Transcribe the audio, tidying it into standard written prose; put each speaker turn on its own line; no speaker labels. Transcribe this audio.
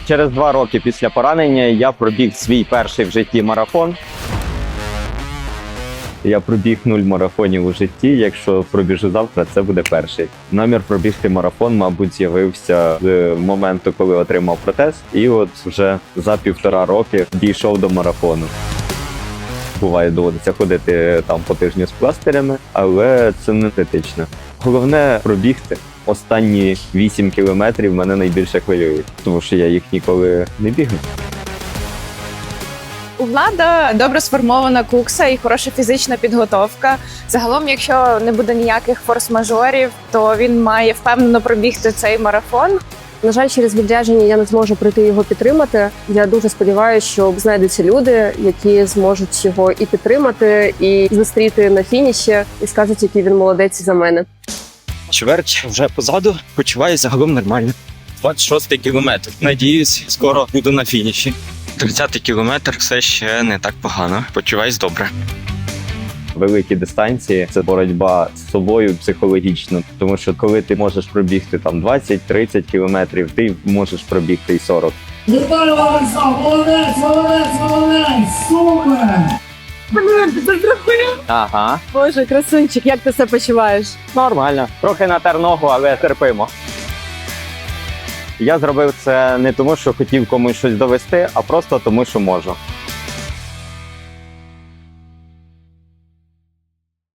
Через 2 роки після поранення я пробіг свій перший в житті марафон. Я пробіг 0 марафонів у житті. Якщо пробіжу завтра, це буде перший. Намір пробігти марафон, мабуть, з'явився з моменту, коли отримав протез. І от вже за 1,5 роки дійшов до марафону. Буває, доводиться ходити там по тижню з пластирями, але це не критично. Головне пробігти. Останні 8 кілометрів мене найбільше хвилюють, тому що я їх ніколи не бігну.
У Влада добре сформована кукса і хороша фізична підготовка. Загалом, якщо не буде ніяких форс-мажорів, то він має впевнено пробігти цей марафон.
На жаль, через відрядження я не зможу прийти його підтримати. Я дуже сподіваюся, що знайдуться люди, які зможуть його і підтримати, і зустріти на фініші, і скажуть, який він молодець за мене.
Чверть вже позаду, почуваюся загалом нормально. 26-й кілометр. Надіюсь, скоро буду на фініші. 30-й кілометр все ще не так погано. Почуваюсь добре.
Великі дистанції – це боротьба з собою психологічно, тому що коли ти можеш пробігти там 20-30 кілометрів, ти можеш пробігти і 40.
Вітаю вас! Молодець, молодець, молодець! Супер!
Ага,
Боже, красунчик, як ти себе почуваєш?
нормально. Трохи натер ногу, але терпимо. Я зробив це не тому, що хотів комусь щось довести, а просто тому, що можу.